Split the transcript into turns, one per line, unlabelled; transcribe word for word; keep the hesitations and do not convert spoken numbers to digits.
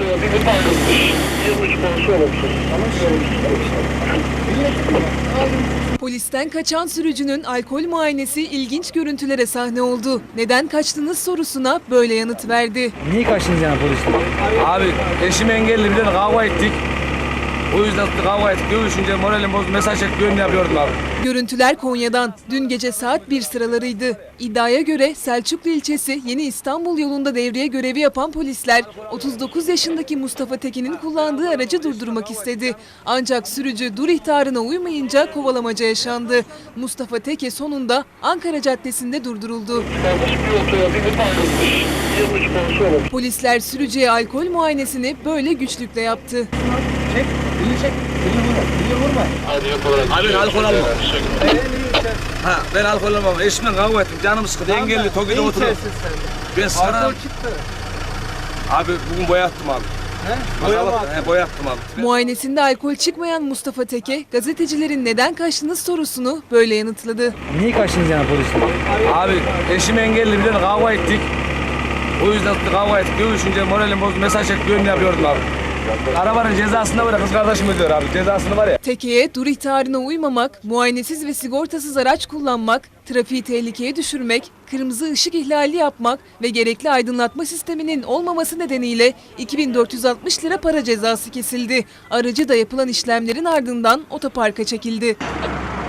otomobili ayrılmış. yirmi üç konusu olumsuz.
Polisten kaçan sürücünün alkol muayenesi ilginç görüntülere sahne oldu. Neden kaçtınız sorusuna böyle yanıt verdi.
Niye kaçtınız yani polisten?
Abi eşim engelli bir de kavga ettik. O yüzden kavga ettik. Dövüşünce moralim bozdu. Mesaj çekti yönünü yapıyordum abi.
Görüntüler Konya'dan. Dün gece saat bir sıralarıydı. İddiaya göre Selçuklu ilçesi Yeni İstanbul yolunda devriye görevi yapan polisler otuz dokuz yaşındaki Mustafa Tekin'in kullandığı aracı durdurmak istedi. Ancak sürücü dur ihtarına uymayınca kovalamaca yaşandı. Mustafa Teke sonunda Ankara Caddesi'nde durduruldu.
Yanlış bir otomobili ayrılmış. yirmi üç konusu olumsuz.
Polisler sürücüye alkol muayenesini böyle güçlükle yaptı.
Çek, elini çek. Elini vurma, elini vurma.
Hadi yapılarak.
Abi ben alkol almam. Ha ben alkol almam. Eşimle kavga ettim. Canım sıkıldı. Engelli Toki'de oturuyorum. Ben sana... Abi bugün boyattım abi.
He? Boya mı attın?
He, boyattım abi.
Muayenesinde alkol çıkmayan Mustafa Teke, gazetecilerin neden kaçtınız sorusunu böyle yanıtladı.
Niye kaçtınız yani polisten?
Abi eşim engelli bir de kavga ettik. O yüzden kavga ettik. Dövüşünce moralim bozdu. Mesaj çekti yönünü yapıyordum abi. Arabanın cezasını var ya, kız kardeşim ödüyor abi. Cezasını var ya.
Teke'ye dur ihtarına uymamak, muayenesiz ve sigortasız araç kullanmak, trafiği tehlikeye düşürmek, kırmızı ışık ihlali yapmak ve gerekli aydınlatma sisteminin olmaması nedeniyle iki bin dört yüz altmış lira para cezası kesildi. Aracı da yapılan işlemlerin ardından otoparka çekildi.